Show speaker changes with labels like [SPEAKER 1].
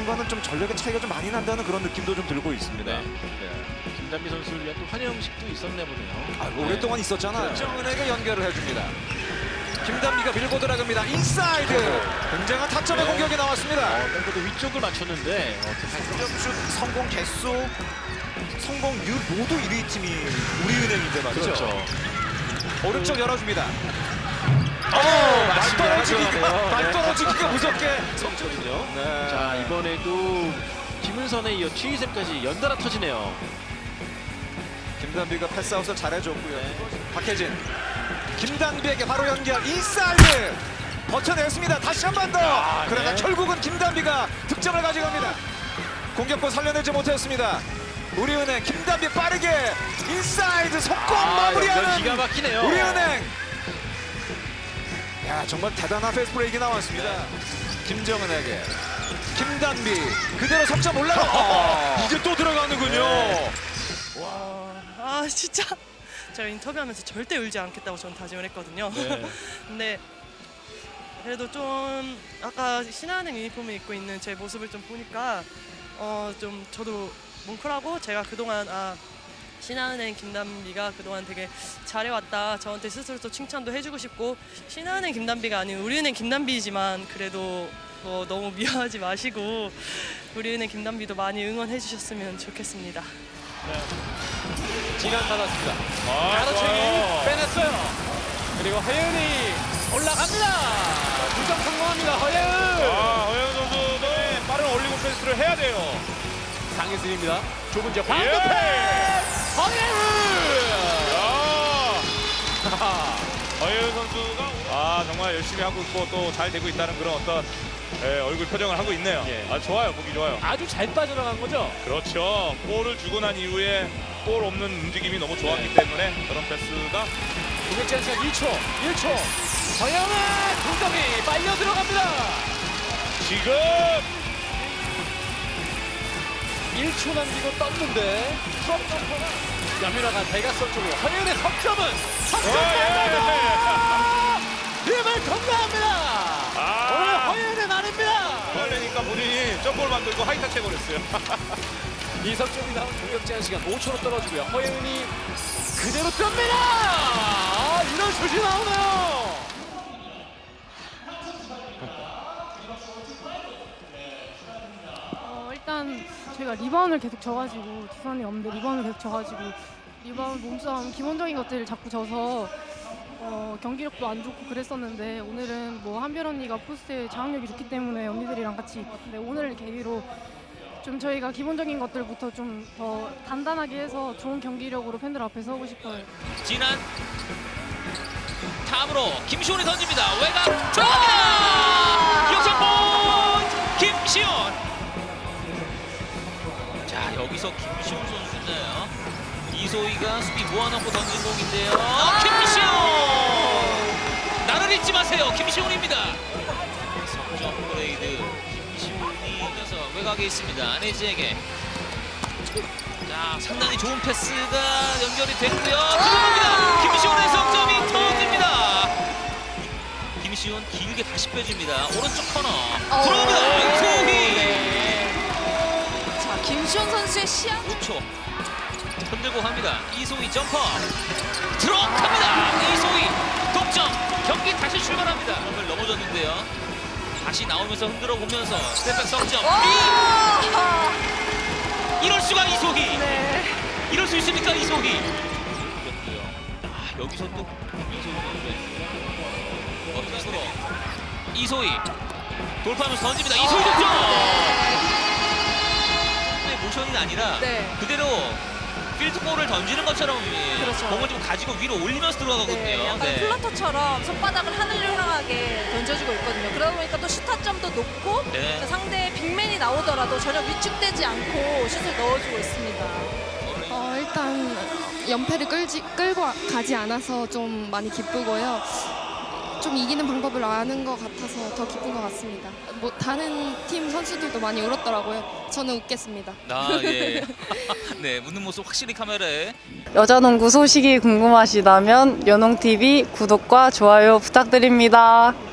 [SPEAKER 1] 순간은 좀 전력의 차이가 좀 많이 난다는 그런 느낌도 좀 들고 있습니다.
[SPEAKER 2] 네. 김단비 선수를 위한 또 환영식도 있었나 보네요.
[SPEAKER 1] 오랫동안 있었잖아요. 정은에게 연결을 해줍니다. 김단비가 밀고 들어갑니다. 인사이드. 굉장한 타점의 공격이 나왔습니다.
[SPEAKER 2] 그래도 위쪽을 맞췄는데
[SPEAKER 1] 점슛 성공 개수, 성공률 모두 1위 팀이 우리은행인데 말이죠.
[SPEAKER 2] 그렇죠.
[SPEAKER 1] 오른쪽 열어줍니다.
[SPEAKER 2] 들어가네요.
[SPEAKER 1] 말 떨어지기가 무섭게
[SPEAKER 2] 성적이죠.
[SPEAKER 1] 네.
[SPEAKER 2] 자, 이번에도 김은선에 이어 최희샘까지 연달아 터지네요.
[SPEAKER 1] 김단비가 패스아웃을 잘해줬고요.
[SPEAKER 2] 네.
[SPEAKER 1] 박혜진, 김단비에게 바로 연결. 인사이드 버텨냈습니다. 다시 한 번 더. 그러나
[SPEAKER 2] 네.
[SPEAKER 1] 결국은 김단비가 득점을 가져갑니다. 공격권 살려내지 못했습니다. 우리은행 김단비 빠르게 인사이드 속공
[SPEAKER 2] 연결
[SPEAKER 1] 마무리하는
[SPEAKER 2] 기가 막히네요.
[SPEAKER 1] 우리은행. 야, 정말 대단한 패스 브레이크 나왔습니다. 김정은에게 김단비 그대로 석점 올라가. 이제 또 들어가는군요.
[SPEAKER 3] 아 진짜 제가 인터뷰하면서 절대 울지 않겠다고 저는 다짐을 했거든요.
[SPEAKER 2] 네.
[SPEAKER 3] 근데 그래도 좀 아까 신한은행 유니폼을 입고 있는 제 모습을 좀 보니까 좀 저도 뭉클하고, 제가 그동안 신한은행 김단비가 그동안 되게 잘해왔다, 저한테 스스로 또 칭찬도 해주고 싶고, 신한은행 김단비가 아닌 우리은행 김단비지만 그래도 너무 미워하지 마시고 우리은행 김단비도 많이 응원해 주셨으면 좋겠습니다.
[SPEAKER 2] 진한 받았습니다.
[SPEAKER 4] 좋아요.
[SPEAKER 2] 빼냈어요. 그리고 허예은이 올라갑니다. 두점 성공합니다. 허예은.
[SPEAKER 4] 허영 선수도 빠른 올리고 패스를 해야 돼요.
[SPEAKER 2] 강희슬입니다. 좁은 지역
[SPEAKER 4] 예.
[SPEAKER 2] 방금 패스. 허예은.
[SPEAKER 4] 허영 선수가 정말 열심히 하고 있고 또 잘 되고 있다는 그런 어떤 얼굴 표정을 하고 있네요.
[SPEAKER 2] 예.
[SPEAKER 4] 좋아요. 보기 좋아요.
[SPEAKER 2] 아주 잘 빠져나간 거죠.
[SPEAKER 4] 그렇죠. 볼을 주고 난 이후에 볼 없는 움직임이 너무 좋았기 때문에 그런 패스가
[SPEAKER 2] 공격 제한 시간 1초. 허예은의 공격이 빨려 들어갑니다.
[SPEAKER 4] 지금
[SPEAKER 2] 1초 남기고 떴는데 트럭 점퍼가 여민아가 대각선 쪽으로 허예은의 석점은 힘을 건너합니다. 오늘 허예은의 날입니다.
[SPEAKER 4] 그러니까 본인이 점볼 만들고 하이타치 해버렸어요.
[SPEAKER 2] 이 석점이 나온 공격 제한 시간 5초로 떨어지고요. 허예은이 그대로 뜹니다. 이런 슛이 나오네요.
[SPEAKER 5] 일단 저희가 리바운드를 계속 져가지고, 지선이 없는데 리바운드를 계속 져가지고, 리바운드, 몸싸움, 기본적인 것들을 자꾸 져서 경기력도 안 좋고 그랬었는데, 오늘은 뭐 한별 언니가 포스트에 장악력이 좋기 때문에 언니들이랑 같이, 근데 오늘 계기로 좀 저희가 기본적인 것들부터 좀 더 단단하게 해서 좋은 경기력으로 팬들 앞에 서고 싶어요.
[SPEAKER 6] 진한 탑으로 김시훈이 던집니다. 외곽 들어갑니다. 역전골 김시훈. 자, 여기서 김시훈 선수인데요. 이소희가 수비 모아놓고 던진 공인데요. 김시훈. 나를 잊지 마세요. 김시훈입니다. 석점 업그레이드. 김시훈이 이어서 외곽에 있습니다. 안혜지에게. 자, 상당히 좋은 패스가 연결이 됐고요. 들어갑니다. 김시훈의 석점이 터집니다. 김시훈 길게 다시 빼줍니다. 오른쪽 코너 들어갑니다. 이소희.
[SPEAKER 7] 자, 김시훈 선수의 시야
[SPEAKER 6] 5초 흔들고 갑니다. 이소희 점퍼 들어갑니다. 이소희 동점. 경기 다시 출발합니다. 오늘 넘어졌는데요. 다시 나오면서 흔들어 보면서 스텝백 석점. 이럴 수가 이소희.
[SPEAKER 7] 네.
[SPEAKER 6] 이럴 수 있습니까 이소희? 여기서 또 이소희 이소희 돌파하면서 던집니다. 이소희 득점. 모션이 아니라
[SPEAKER 7] 네.
[SPEAKER 6] 그대로 필드볼을 던지는 것처럼
[SPEAKER 7] 그렇죠.
[SPEAKER 6] 공을 좀 가지고 위로 올리면서 들어가거든요.
[SPEAKER 7] 네, 약간
[SPEAKER 6] 네.
[SPEAKER 7] 플러터처럼 손바닥을 하늘을 향하게 던져주고 있거든요. 그러다 보니까 또 슈타점도 높고,
[SPEAKER 6] 네.
[SPEAKER 7] 또 상대의 빅맨이 나오더라도 전혀 위축되지 않고 슛을 넣어주고 있습니다.
[SPEAKER 5] 일단 연패를 끌고 가지 않아서 좀 많이 기쁘고요. 좀 이기는 방법을 아는 것 같아서 더 기쁜 것 같습니다. 뭐 다른 팀 선수들도 많이 울었더라고요. 저는 웃겠습니다.
[SPEAKER 6] 예. 네, 웃는 모습 확실히 카메라에.
[SPEAKER 8] 여자농구 소식이 궁금하시다면 연홍TV 구독과 좋아요 부탁드립니다.